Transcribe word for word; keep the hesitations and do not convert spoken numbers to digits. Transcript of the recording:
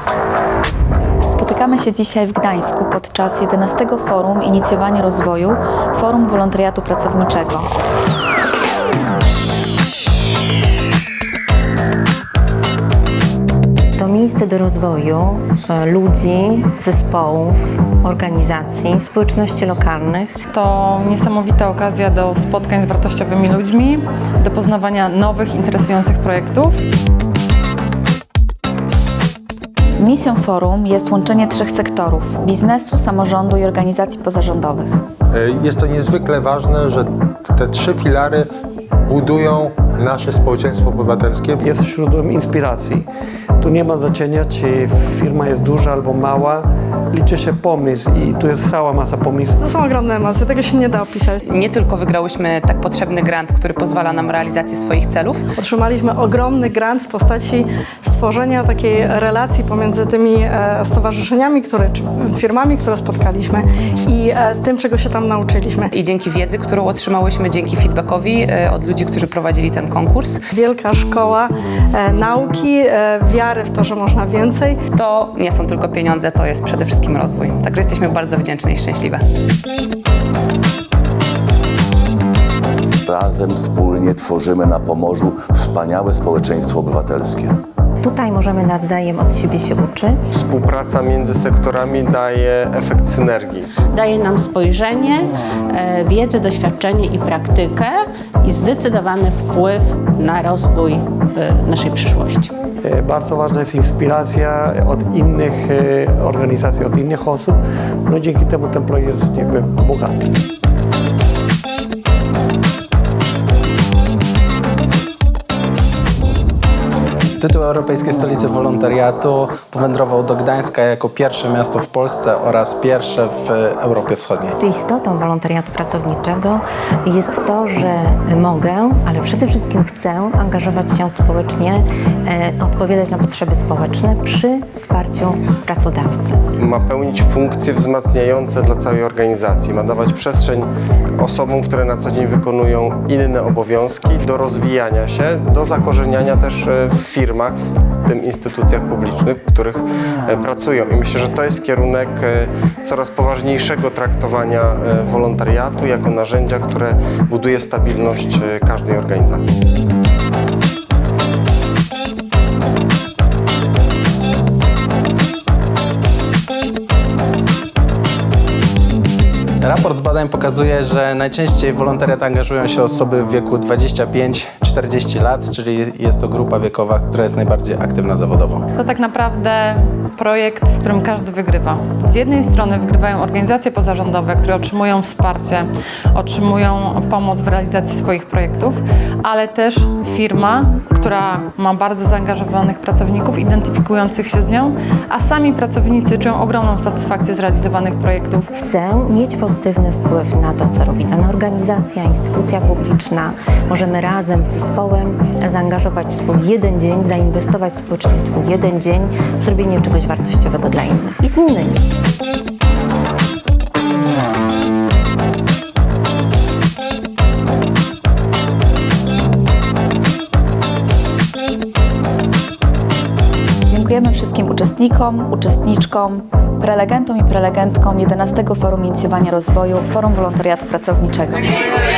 Spotykamy się dzisiaj w Gdańsku podczas jedenastego Forum Inicjowania Rozwoju, Forum Wolontariatu Pracowniczego. To miejsce do rozwoju ludzi, zespołów, organizacji, społeczności lokalnych. To niesamowita okazja do spotkań z wartościowymi ludźmi, do poznawania nowych, interesujących projektów. Misją forum jest łączenie trzech sektorów: biznesu, samorządu i organizacji pozarządowych. Jest to niezwykle ważne, że te trzy filary budują nasze społeczeństwo obywatelskie. Jest źródłem inspiracji. Tu nie ma znaczenia, czy firma jest duża albo mała. Liczy się pomysł i tu jest cała masa pomysłów. To są ogromne emocje, tego się nie da opisać. Nie tylko wygrałyśmy tak potrzebny grant, który pozwala nam realizację swoich celów. Otrzymaliśmy ogromny grant w postaci stworzenia takiej relacji pomiędzy tymi e, stowarzyszeniami, które, czy firmami, które spotkaliśmy i e, tym, czego się tam nauczyliśmy. I dzięki wiedzy, którą otrzymałyśmy, dzięki feedbackowi e, od ludzi, którzy prowadzili ten konkurs. Wielka szkoła e, nauki, e, wiary w to, że można więcej. To nie są tylko pieniądze, to jest przede wszystkim rozwój. Także jesteśmy bardzo wdzięczne i szczęśliwe. Razem, wspólnie tworzymy na Pomorzu wspaniałe społeczeństwo obywatelskie. Tutaj możemy nawzajem od siebie się uczyć. Współpraca między sektorami daje efekt synergii. Daje nam spojrzenie, wiedzę, doświadczenie i praktykę i zdecydowany wpływ na rozwój naszej przyszłości. Bardzo ważna jest inspiracja od innych organizacji, od innych osób. No dzięki temu ten projekt jest jakby bogaty. Tytuł Europejskiej Stolicy Wolontariatu powędrował do Gdańska jako pierwsze miasto w Polsce oraz pierwsze w Europie Wschodniej. Istotą wolontariatu pracowniczego jest to, że mogę, ale przede wszystkim chcę angażować się społecznie, e, odpowiadać na potrzeby społeczne przy wsparciu pracodawcy. Ma pełnić funkcje wzmacniające dla całej organizacji. Ma dawać przestrzeń osobom, które na co dzień wykonują inne obowiązki, do rozwijania się, do zakorzeniania też w firmach, w tym instytucjach publicznych, w których pracują. I myślę, że to jest kierunek coraz poważniejszego traktowania wolontariatu jako narzędzia, które buduje stabilność każdej organizacji. Raport z badań pokazuje, że najczęściej w wolontariat angażują się osoby w wieku dwadzieścia pięć do czterdziestu lat, czyli jest to grupa wiekowa, która jest najbardziej aktywna zawodowo. To tak naprawdę projekt, w którym każdy wygrywa. Z jednej strony wygrywają organizacje pozarządowe, które otrzymują wsparcie, otrzymują pomoc w realizacji swoich projektów, ale też firma, która ma bardzo zaangażowanych pracowników, identyfikujących się z nią, a sami pracownicy czują ogromną satysfakcję z realizowanych projektów. Chcę mieć pozytywny wpływ na to, co robi dana organizacja, instytucja publiczna. Możemy razem z zespołem zaangażować swój jeden dzień, zainwestować społecznie swój jeden dzień w zrobienie czegoś wartościowego dla innych i z innymi. Dziękujemy wszystkim uczestnikom, uczestniczkom, prelegentom i prelegentkom jedenastego Forum Inicjowania Rozwoju, Forum Wolontariatu Pracowniczego.